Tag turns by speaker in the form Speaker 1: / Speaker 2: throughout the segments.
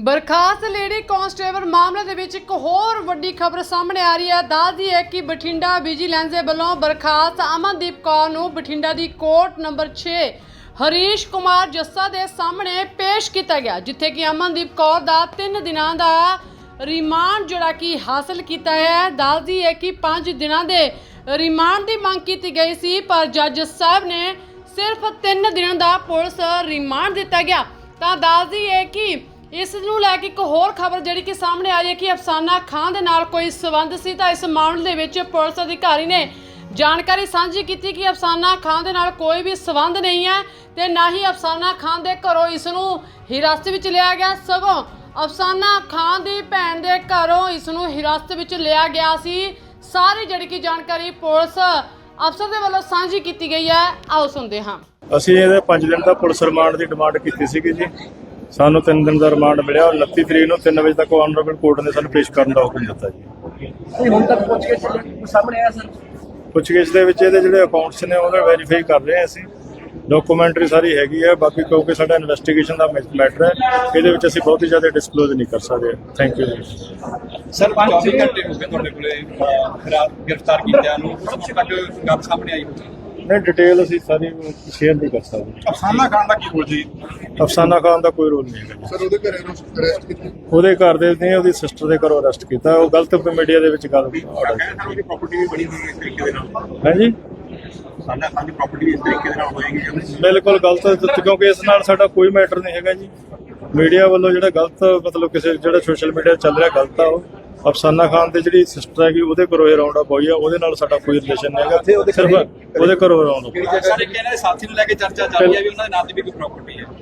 Speaker 1: ਬਰਖਾਸਤ lady constable ਮਾਮਲੇ ਦੇ ਵਿੱਚ ਇੱਕ ਹੋਰ ਵੱਡੀ ਖਬਰ ਸਾਹਮਣੇ ਆ ਰਹੀ ਹੈ। ਦੱਸਦੀ ਹੈ ਕਿ ਬਠਿੰਡਾ ਵਿਜੀਲੈਂਸ ਦੇ ਵੱਲੋਂ ਬਰਖਾਸਤ ਅਮਨਦੀਪ ਕੌਰ ਨੂੰ ਬਠਿੰਡਾ ਦੀ ਕੋਰਟ ਨੰਬਰ 6 ਹਰੀਸ਼ ਕੁਮਾਰ ਜੱਸਾ ਦੇ ਸਾਹਮਣੇ ਪੇਸ਼ ਕੀਤਾ ਗਿਆ, ਜਿੱਥੇ ਕਿ ਅਮਨਦੀਪ ਕੌਰ ਦਾ 3 ਦਿਨਾਂ ਦਾ ਰਿਮਾਂਡ ਜਿਹੜਾ ਕਿ ਹਾਸਲ ਕੀਤਾ ਹੈ। ਦੱਸਦੀ ਹੈ ਕਿ 5 ਦਿਨਾਂ ਦੇ ਰਿਮਾਂਡ ਦੀ ਮੰਗ ਕੀਤੀ ਗਈ ਸੀ, ਪਰ ਜੱਜ ਸਾਹਿਬ ਨੇ ਸਿਰਫ 3 ਦਿਨਾਂ ਦਾ ਪੁਲਿਸ ਰਿਮਾਂਡ ਦਿੱਤਾ ਗਿਆ। ਤਾਂ ਦੱਸਦੀ ਹੈ ਕਿ ਇਸ ਨੂੰ ਲੈ ਕੇ ਇੱਕ ਹੋਰ ਖਬਰ ਜਿਹੜੀ ਕਿ ਸਾਹਮਣੇ ਆ ਰਹੀ ਹੈ ਕਿ ਅਫਸਾਨਾ ਖਾਨ ਦੇ ਨਾਲ ਕੋਈ ਸਬੰਧ ਸੀ। ਤਾਂ ਇਸ ਮਾਮਲੇ ਦੇ ਵਿੱਚ ਪੁਲਿਸ ਅਧਿਕਾਰੀ ਨੇ ਜਾਣਕਾਰੀ ਸਾਂਝੀ ਕੀਤੀ ਕਿ ਅਫਸਾਨਾ ਖਾਨ ਦੇ ਨਾਲ ਕੋਈ ਵੀ ਸਬੰਧ ਨਹੀਂ ਹੈ ਤੇ ਨਾ ਹੀ ਅਫਸਾਨਾ ਖਾਨ ਦੇ ਘਰੋਂ ਇਸ ਨੂੰ ਹਿਰਾਸਤ ਵਿੱਚ ਲਿਆ ਗਿਆ, ਸਗੋਂ ਅਫਸਾਨਾ ਖਾਨ ਦੀ ਭੈਣ ਦੇ ਘਰੋਂ ਇਸ ਨੂੰ ਹਿਰਾਸਤ ਵਿੱਚ ਲਿਆ ਗਿਆ ਸੀ। ਸਾਰੀ ਜਿਹੜੀ ਕਿ ਜਾਣਕਾਰੀ ਪੁਲਿਸ ਅਫਸਰ ਦੇ ਵੱਲੋਂ ਸਾਂਝੀ ਕੀਤੀ ਗਈ ਹੈ। ਆਓ ਸੁਣਦੇ ਹਾਂ।
Speaker 2: ਅਸੀਂ ਇਹਦੇ 5 ਦਿਨ ਦਾ ਪੁਲਿਸ ਰਿਮਾਂਡ ਦੀ ਡਿਮਾਂਡ ਕੀਤੀ ਸੀਗੀ ਜੀ। ਸਾਨੂੰ 3 ਦਿਨ ਦਾ ਰਿਮਾਂਡ ਮਿਲਿਆ। 29 ਤਰੀਕ ਨੂੰ 3 ਵਜੇ ਤੱਕ ਆਨਰੇਬਲ ਕੋਰਟ ਨੇ ਸਾਨੂੰ ਪੇਸ਼ ਕਰਨ ਦਾ ਹੁਕਮ ਦਿੱਤਾ ਜੀ।
Speaker 3: ਹੁਣ ਤੱਕ ਪੁੱਛਗਿੱਛ ਸਾਹਮਣੇ ਆਇਆ ਸਰ?
Speaker 2: ਪੁੱਛਗਿੱਛ ਦੇ ਵਿੱਚ ਇਹਦੇ ਜਿਹੜੇ ਅਕਾਊਂਟਸ ਨੇ ਉਹਦੇ ਵੈਰੀਫਾਈ ਕਰ ਰਹੇ ਹਾਂ ਅਸੀਂ। ਡਾਕੂਮੈਂਟਰੀ ਸਾਰੀ ਹੈਗੀ ਹੈ, ਬਾਕੀ ਕਿਉਂਕਿ ਸਾਡਾ ਇਨਵੈਸਟੀਗੇਸ਼ਨ ਦਾ ਮੈਟਰ ਹੈ, ਇਹਦੇ ਵਿੱਚ ਅਸੀਂ ਬਹੁਤ ਹੀ ਜ਼ਿਆਦਾ ਡਿਸਕਲੋਜ਼ ਨਹੀਂ ਕਰ ਸਕਦੇ। ਥੈਂਕ ਯੂ ਜੀ।
Speaker 3: ਸਰ 24 ਘੰਟੇ ਹੋ ਗਏ ਤੁਹਾਡੇ ਕੋਲੇ ਗ੍ਰਿਫਤਾਰ ਕੀਤਿਆਂ ਨੂੰ, ਕੁਝ ਤੱਕ ਗੱਲ ਸਾਹਮਣੇ ਆਈ ਹੋਈ?
Speaker 2: ਨਹੀਂ, ਡਿਟੇਲ ਅਸੀਂ ਸਾਰੀ ਸ਼ੇਅਰ ਨਹੀਂ ਕਰ ਸਕਦੇ।
Speaker 3: ਅਫਸਾਨਾ ਖਾਨ ਦਾ ਕੀ ਰੋਲ ਜੀ?
Speaker 2: ਅਫਸਾਨਾ ਖਾਨ ਦਾ ਕੋਈ ਰੋਲ ਨਹੀਂ ਹੈਗਾ ਜੀ।
Speaker 4: ਸਰ ਉਹਦੇ ਘਰੇ ਨੂੰ ਅਰੈਸਟ ਕੀਤਾ?
Speaker 2: ਉਹਦੇ ਘਰ ਦੇ ਨੇ ਉਹਦੀ ਸਿਸਟਰ ਦੇ ਘਰੋਂ ਅਰੈਸਟ ਕੀਤਾ। ਉਹ ਗਲਤ ਮੀਡੀਆ ਦੇ ਵਿੱਚ ਗੱਲ
Speaker 3: ਉਹਦੀ ਪ੍ਰਾਪਰਟੀ ਵੀ ਬਣੀ ਹੋਈ ਇਸ ਤਰੀਕੇ ਦੇ ਨਾਲ?
Speaker 2: ਹੈ ਜੀ,
Speaker 3: ਅਫਸਾਨਾ ਖਾਨ ਦੀ ਪ੍ਰਾਪਰਟੀ ਇਸ ਤਰੀਕੇ ਦੇ ਨਾਲ ਹੋਏਗੀ?
Speaker 2: ਬਿਲਕੁਲ ਗਲਤ, ਕਿਉਂਕਿ ਇਸ ਨਾਲ ਸਾਡਾ ਕੋਈ ਮੈਟਰ ਨਹੀਂ ਹੈਗਾ ਜੀ। ਮੀਡੀਆ ਵੱਲੋਂ ਜਿਹੜਾ ਗਲਤ ਮਤਲਬ ਕਿਸੇ ਜਿਹੜਾ ਸੋਸ਼ਲ ਮੀਡੀਆ ਚੱਲ ਰਿਹਾ ਗਲਤ ਆ। ਉਹ ਅਫਸਾਨਾ ਖਾਨ ਦੀ ਜਿਹੜੀ ਸਿਸਟਰ ਹੈਗੀ ਉਹਦੇ ਘਰੋਂ ਇਹ ਰਾਉਂਡ ਅਪ ਹੋਈ ਆ, ਉਹਦੇ ਨਾਲ ਸਾਡਾ ਕੋਈ ਰਿਲੇਸ਼ਨ ਨਹੀਂ ਹੈਗਾ। ਸਿਰਫ ਉਹਦੇ ਘਰੋਂ ਰਾਉਂਡ ਅਪ।
Speaker 3: ਸਰ ਇੱਕ ਇਹਨਾਂ ਦੇ ਸਾਥੀ ਨੂੰ ਲੈ ਕੇ ਚਰਚਾ ਚੱਲ ਰਹੀ ਹੈ ਵੀ ਉਹਨਾਂ ਦੇ ਨਾਂ ਦੀ ਵੀ ਕੋਈ ਪ੍ਰਾਪਰਟੀ ਹੈ।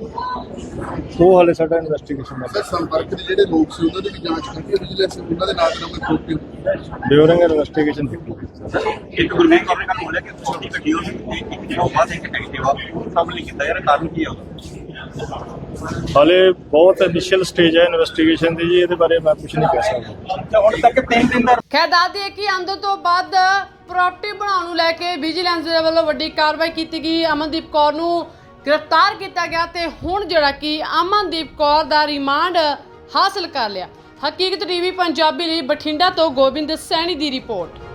Speaker 2: ਉਹ ਹਾਲੇ ਸਾਡਾ ਇਨਵੈਸਟੀਗੇਸ਼ਨ ਦਾ
Speaker 4: ਸਰ ਸੰਪਰਕ ਦੇ ਜਿਹੜੇ ਲੋਕ ਸੀ ਉਹਨਾਂ ਦੀ ਵੀ ਜਾਂਚ ਕੀਤੀ ਵਿਜੀਲੈਂਸ ਉਹਨਾਂ ਦੇ ਨਾਂ ਤੇ ਕੋਈ ਪ੍ਰੋਪਰਟੀ?
Speaker 2: ਡਿਊਰਿੰਗ ਇਨਵੈਸਟੀਗੇਸ਼ਨ
Speaker 3: ਇੱਕ ਗੁਰਮੀਤ ਕੌਰ ਨੇ ਕੱਲ ਬੋਲਿਆ ਕਿ ਤੁਹਾਡੀ ਗੱਡੀ ਉਹ ਇੱਕ ਜਿਹੜਾ ਬਾਅਦ ਇੱਕ ਐਕਟਿਵਾ ਸਾਹਮਣੇ ਕੀਤਾ ਯਾਰ, ਕਾਰਨ ਕੀ ਆ?
Speaker 2: ਹਾਲੇ ਬਹੁਤ ਇਨੀਸ਼ੀਅਲ ਸਟੇਜ ਹੈ ਇਨਵੈਸਟੀਗੇਸ਼ਨ ਦੀ ਜੀ, ਇਹਦੇ ਬਾਰੇ ਮੈਂ ਕੁਝ ਨਹੀਂ ਕਹਿ ਸਕਦਾ।
Speaker 3: ਹੁਣ ਤੱਕ 3 ਦਿਨ ਦਾ
Speaker 1: ਖੈਰ ਦੱਸਦੀ ਹੈ ਕਿ ਅੰਦਰ ਤੋਂ ਵੱਧ ਪ੍ਰਾਪਰਟੀ ਬਣਾਉਣ ਨੂੰ ਲੈ ਕੇ ਵਿਜੀਲੈਂਸ ਦੇ ਵੱਲੋਂ ਵੱਡੀ ਕਾਰਵਾਈ ਕੀਤੀ ਗਈ। ਅਮਨਦੀਪ ਕੌਰ ਨੂੰ ਗ੍ਰਿਫਤਾਰ ਕੀਤਾ ਗਿਆ ਤੇ ਹੁਣ ਜਿਹੜਾ ਕਿ ਅਮਨਦੀਪ ਕੌਰ ਦਾ ਰਿਮਾਂਡ ਹਾਸਲ ਕਰ ਲਿਆ। ਹਕੀਕਤ ਟੀਵੀ ਪੰਜਾਬੀ ਲਈ ਬਠਿੰਡਾ ਤੋਂ ਗੋਬਿੰਦ ਸੈਣੀ ਦੀ ਰਿਪੋਰਟ।